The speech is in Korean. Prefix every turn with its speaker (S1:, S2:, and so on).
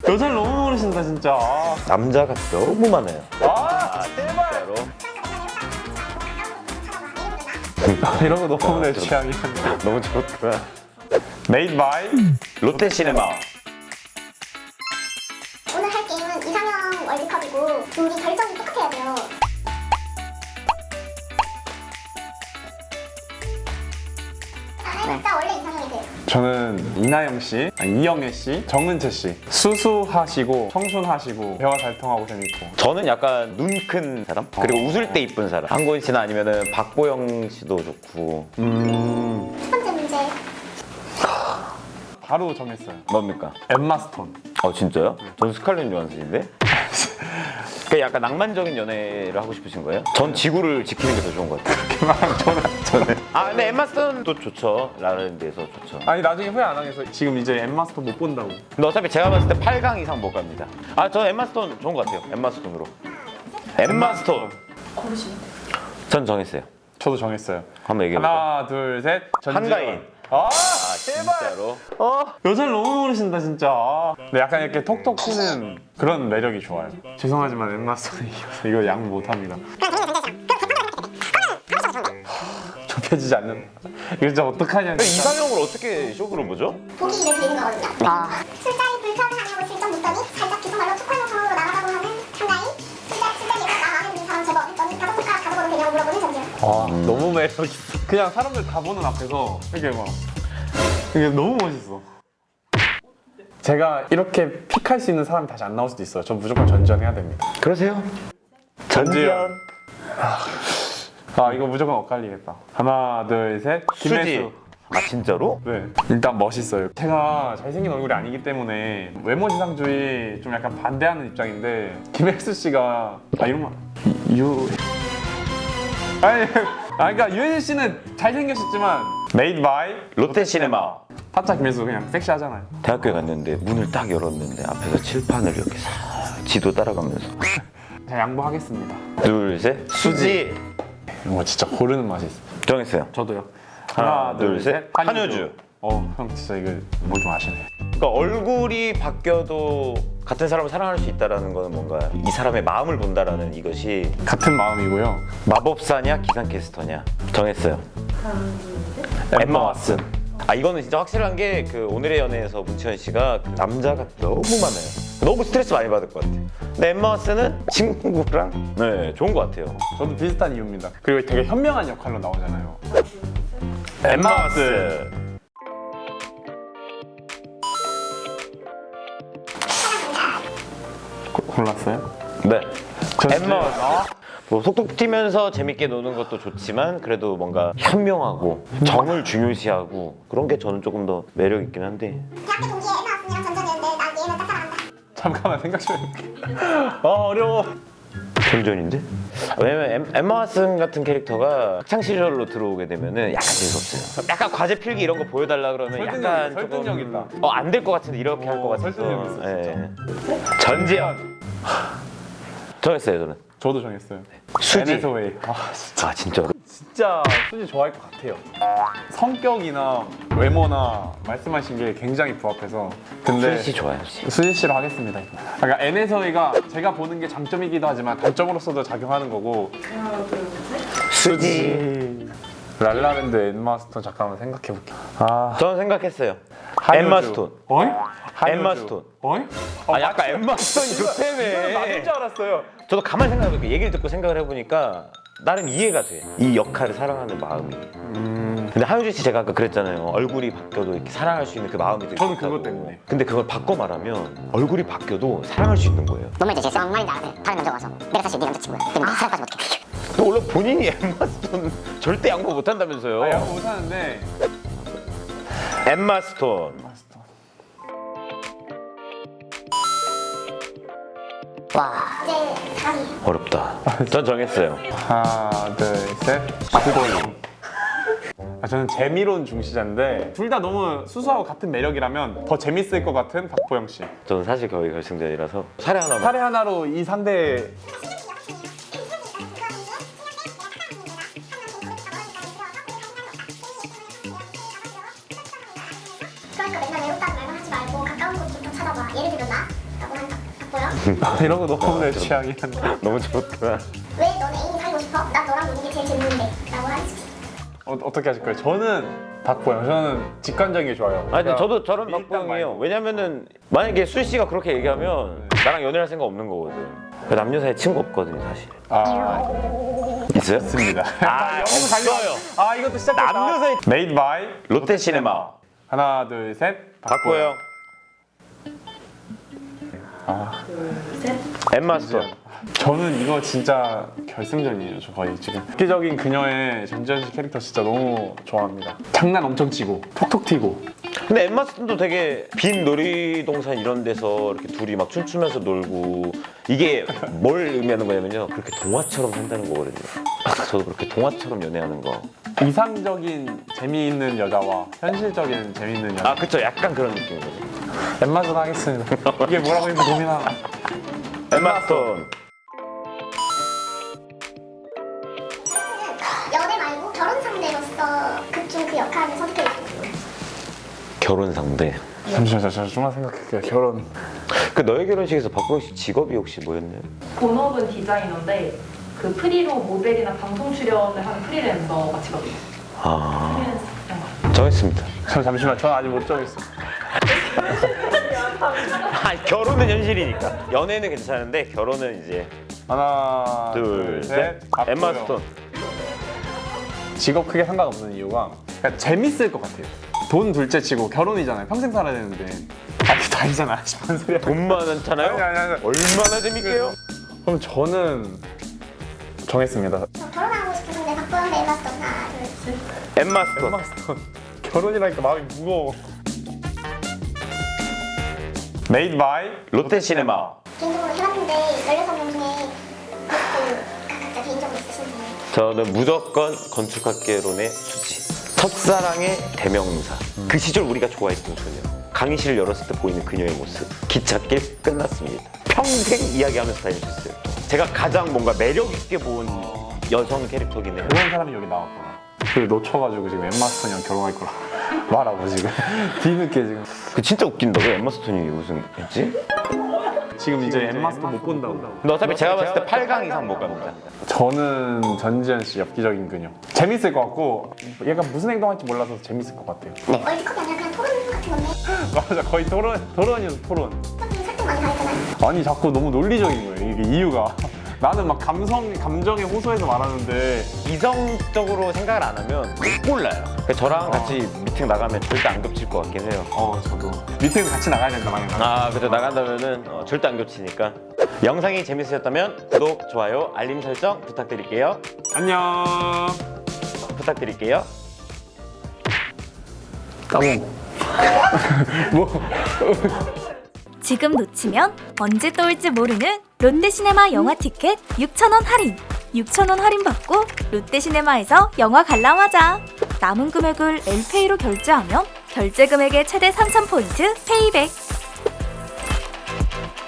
S1: 여자를 너무 모르신다 진짜.
S2: 남자가 너무 많아요.
S1: 제발.
S2: 진짜로.
S1: 이런 거 너무 내 취향이야.
S2: 너무 좋구나.
S1: Made by
S2: 롯데시네마.
S3: 오늘 할 게임은 이상형 월드컵이고 둘이 결정이 똑같아야 돼요. 각자 원래 이상형이세요?
S1: 저는 이나영 씨, 이영애 씨, 정은채 씨. 수수하시고 청순하시고 대화 잘 통하고 재밌고.
S2: 저는 약간 눈 큰 사람? 그리고 웃을 때 이쁜 사람. 한고인 씨나 아니면은 박보영 씨도 좋고.
S3: 첫 번째 문제.
S1: 바로 정했어요.
S2: 뭡니까?
S1: 엠마 스톤.
S2: 진짜요? 전 스칼렛 요한슨인데? 그 약간 낭만적인 연애를 하고 싶으신 거예요? 전 지구를 지키는 게 더 좋은 것 같아요. 저는. 근데 엠마 스톤도 좋죠. 라라랜드에서 좋죠.
S1: 아니 나중에 후회 안 하겠어. 지금 이제 엠마 스톤 못 본다고.
S2: 근데 어차피 제가 봤을 때 8강 이상 못 갑니다. 저 엠마 스톤 좋은 것 같아요. 엠마 스톤으로. 엠마 스톤.
S3: 고르시면 돼요.
S2: 전 정했어요.
S1: 저도 정했어요.
S2: 한번 얘기해볼까요?
S1: 하나, 둘, 셋.
S2: 한가인. 진짜로?
S1: 여자를 너무 모르신다 진짜. 근데 약간 이렇게 톡톡 튀는 그런 매력이 좋아요. 죄송하지만 엠마 스톤이 이겨서 이거 양 못합니다. 좁혀지지 않는. 이거 진짜 어떡하냐. 진짜.
S2: 이상형을 어떻게 쇼그로 보죠?
S3: 보기를 드리는 거거든요. 술자리 불편하냐고 슬쩍 묻더니 살짝 기속말로 초콜릿 상으로 나가라고 하는 한가인. 술자리가 나 마음에 드는 사람 제법 했더니 다섯 손가락 가져보면 되냐고 물어보는 전지현.
S1: 너무 매력 있어. 그냥 사람들 다 보는 앞에서 이렇게 막 이게 너무 멋있어. 제가 이렇게 픽할 수 있는 사람이 다시 안 나올 수도 있어요. 전 무조건 전지현 해야 됩니다.
S2: 그러세요? 전지현.
S1: 이거 무조건 엇갈리겠다. 하나, 둘, 셋. 김혜수.
S2: 진짜로?
S1: 네. 일단 멋있어요. 제가 잘생긴 얼굴이 아니기 때문에 외모지상주의 좀 약간 반대하는 입장인데 김혜수 씨가 이런 말 그러니까 유혜진 씨는 잘생겼었지만 Made by
S2: 롯데시네마.
S1: 타짜 김혜수 그냥 섹시하잖아요.
S2: 대학교에 갔는데 문을 딱 열었는데 앞에서 칠판을 이렇게 싹 지도 따라가면서
S1: 제가 양보하겠습니다.
S2: 둘, 셋. 수지.
S1: 이런 거 진짜 고르는 맛이 있어요.
S2: 정했어요.
S1: 저도요.
S2: 하나, 둘, 셋. 한효주.
S1: 형 진짜 이거 뭐 좀 아시네.
S2: 그러니까 얼굴이 바뀌어도 같은 사람을 사랑할 수 있다라는 거는 뭔가 이 사람의 마음을 본다라는 이것이
S1: 같은 마음이고요.
S2: 마법사냐 기상캐스터냐 정했어요. 엠마 왓슨. 이거는 진짜 확실한 게 그 오늘의 연애에서 문치현 씨가 그 남자가 너무 많아요. 너무 스트레스 많이 받을 것 같아요. 근데 엠마 왓슨은 친구랑 좋은 것 같아요.
S1: 저도 비슷한 이유입니다. 그리고 되게 현명한 역할로 나오잖아요.
S2: 엠마 왓슨.
S1: 골랐어요?
S2: 네.
S1: 저
S2: 엠마
S1: 진짜-
S2: 왓슨. 뭐 속독 튀면서 재밌게 노는 것도 좋지만 그래도 뭔가 현명하고 정을 중요시하고 그런 게 저는 조금 더 매력 있긴 한데.
S3: 대학교 동기에 엠마 왓슨이랑 전전이었는데 난 얘는 짝사랑한다.
S1: 잠깐만 생각 좀 해볼게. 어려워.
S2: 전전인데? 왜냐면 엠마 왓슨 같은 캐릭터가 학창 시절로 들어오게 되면은 약간 재수없어요. 약간 과제 필기 이런 거 보여달라 그러면 약간
S1: 설득력 있다.
S2: 안 될 것 같은데 이렇게 할 것 같아서.
S1: 설득력 있어, 진짜.
S2: 전지현. 정했어요 저는.
S1: 저도 정했어요.
S2: 수지.
S1: 에네서웨이.
S2: 진짜로?
S1: 진짜 수지 좋아할 것 같아요. 성격이나 외모나 말씀하신 게 굉장히 부합해서. 근데
S2: 수지 씨 좋아요.
S1: 수지 씨로 하겠습니다. 그러니까 에네서웨이가 제가 보는 게 장점이기도 하지만 단점으로서도 작용하는 거고.
S2: 수지.
S1: 랄라랜드 엠마 스톤 잠깐만 생각해 볼게.
S2: 저는 생각했어요.
S1: 한효주.
S2: 엠마 스톤.
S1: 어이?
S2: 엠마 스톤.
S1: 어이?
S2: 약간 엠마 스톤이
S1: 이거는 맞을
S2: 좋다며.
S1: 줄 알았어요.
S2: 저도 가만히 생각해볼게요. 얘기를 듣고 생각을 해보니까 나름 이해가 돼. 이 역할을 사랑하는 마음이. 근데 한효주 씨 제가 아까 그랬잖아요. 얼굴이 바뀌어도 이렇게 사랑할 수 있는 그 마음이 되게
S1: 저는
S2: 좋다고.
S1: 그것 때문에.
S2: 근데 그걸 바꿔 말하면 얼굴이 바뀌어도 사랑할 수 있는 거예요.
S4: 뭔 말인지 알겠어. 뭔 말인지 알아. 다른 남자가 와서 내가 사실 네 남자친구야. 근데 사랑까지 못해.
S2: 근데 원래 본인이 엠마 스톤 절대 양보 못 한다면서요.
S1: 양보 못하는데.
S2: 엠마 스톤.
S4: 와.
S3: 이제 4위.
S2: 어렵다. 전 정했어요.
S1: 하나, 둘, 셋. 박보영. 저는 재미로운 중시자인데 둘 다 너무 수수하고 같은 매력이라면 더 재밌을 것 같은 박보영 씨.
S2: 저는 사실 거의 결승전이라서 사례 하나만.
S1: 사례 하나로 이 상대.
S3: 그러니까 맨날 외롭다는 말만 하지 말고 가까운 곳 좀 찾아봐. 예를 들면 나
S1: 이런 거 너무 내 취향이야.
S2: 너무 좋다.
S3: 왜 너는 애인이 사귀고 싶어? 난 너랑 노는 게 제일 재밌는데 라고 하지.
S1: 어떻게 하실 거예요? 저는 박보영. 저는 직관적인 게 좋아요.
S2: 아니 근데 저도 저런
S1: 밀당
S2: 박보영이에요.
S1: 말고.
S2: 왜냐면은 만약에 술 씨가 그렇게 얘기하면 나랑 연애할 생각 없는 거거든. 남녀 사이에 친구 없거든요 사실.
S1: 아,
S2: 있어요?
S1: 있습니다.
S2: 아 없어요.
S1: 아, 이것도 시작했다.
S2: 남녀 사이
S1: Made by
S2: 롯데시네마
S1: 하나, 둘, 셋.
S2: 박보영. 엠마 스톤.
S1: 저는 이거 진짜 결승전이에요. 저 거의 지금 획기적인 그녀의 전지현 씨 캐릭터 진짜 너무 좋아합니다. 장난 엄청 치고 톡톡 튀고.
S2: 근데 엠마 스톤도 되게 빈 놀이동산 이런 데서 이렇게 둘이 막 춤추면서 놀고 이게 뭘 의미하는 거냐면요. 그렇게 동화처럼 산다는 거거든요. 저도 그렇게 동화처럼 연애하는 거.
S1: 이상적인 재미있는 여자와 현실적인 재미있는 여자.
S2: 아 그쵸. 약간 그런 느낌이거든요.
S1: 엠마전 하겠습니다. 이게 뭐라고 했는지 고민하나.
S2: 엠마 스톤.
S3: 연애 말고 결혼 상대로서 극중 그 역할을 선택해주고.
S2: 결혼 상대.
S1: 잠시만요. 저 좀만 생각할게요. 결혼.
S2: 그 너의 결혼식에서 박보영 씨 직업이 혹시 뭐였나요?
S5: 본업은 디자이너인데 그 프리로 모델이나 방송 출연을 하는 프리랜서 마치거든요.
S2: 아
S5: 프리랜서 이런 거.
S2: 정했습니다.
S1: 잠시만. 저 아직 못 정했어요.
S2: 아 결혼은 현실이니까. 연애는 괜찮은데 결혼은 이제
S1: 하나,
S2: 둘, 셋.
S1: 박보영.
S2: 엠마 스톤.
S1: 직업 크게 상관없는 이유가 그러니까 재밌을 것 같아요. 돈 둘째 치고 결혼이잖아요. 평생 살아야 되는데. 아, 그게 다이잖아. 싶은 소리야.
S2: 돈 많잖아요.
S1: 아니.
S2: 얼마나 재밌게요?
S1: 그럼 저는 정했습니다.
S3: 저 결혼하고 싶은 상대 박보영 대 엠마 스톤. 하나, 둘, 셋.
S2: 엠마 스톤.
S1: 엠마 스톤. 결혼이라니까 마음이 무거워. Made by
S2: 롯데시네마.
S3: 개인적으로 해봤는데 16명 중에 베스트 각자 개인적으로 있으신지.
S2: 저는 무조건 건축학개론의 수지. 첫사랑의 대명사. 그 시절 우리가 좋아했던 소녀. 강의실을 열었을 때 보이는 그녀의 모습. 기찻길 끝났습니다. 평생 이야기하면서 다니셨어요. 제가 가장 뭔가 매력 있게 본 여성 캐릭터긴 해요.
S1: 그런 사람이 여기 나왔구나. 그 놓쳐가지고 지금 엠마 스톤이랑 결혼할 거라 말하고 지금 뒤늦게 지금.
S2: 그 진짜 웃긴다. 왜 엠마 스톤이 우승했지?
S1: 지금 이제 엠마 스톤 못 본다고.
S2: 근데 어차피 제가 봤을 때 8강 이상 못 갑니다.
S1: 저는 전지현 씨 엽기적인 그녀. 재밌을 것 같고 얘가 무슨 행동할지 몰라서 재밌을 것 같아요.
S3: 월드컵이 아니라 그냥 토론 같은 건데.
S1: 맞아, 거의 토론이어서 토론.
S3: 선생님 설득 많이 당했잖아요.
S1: 아니 자꾸 너무 논리적인 거예요. 이게 이유가. 나는 막 감정에 호소해서 말하는데
S2: 이성적으로 생각을 안 하면 못 골라요. 그래서 저랑 같이 미팅 나가면 절대 안 겹칠 것 같긴 해요.
S1: 저도 미팅 같이 나가야 된다 만약에.
S2: 아, 그래서 나간다면은 절대 안 겹치니까. 영상이 재밌으셨다면 구독, 좋아요, 알림 설정 부탁드릴게요.
S1: 안녕.
S2: 부탁드릴게요.
S1: 까몽. 뭐?
S6: 지금 놓치면 언제 또 올지 모르는 롯데시네마 영화 티켓 6,000원 할인! 6,000원 할인받고 롯데시네마에서 영화 관람하자! 남은 금액을 엘페이로 결제하면 결제 금액의 최대 3,000포인트 페이백!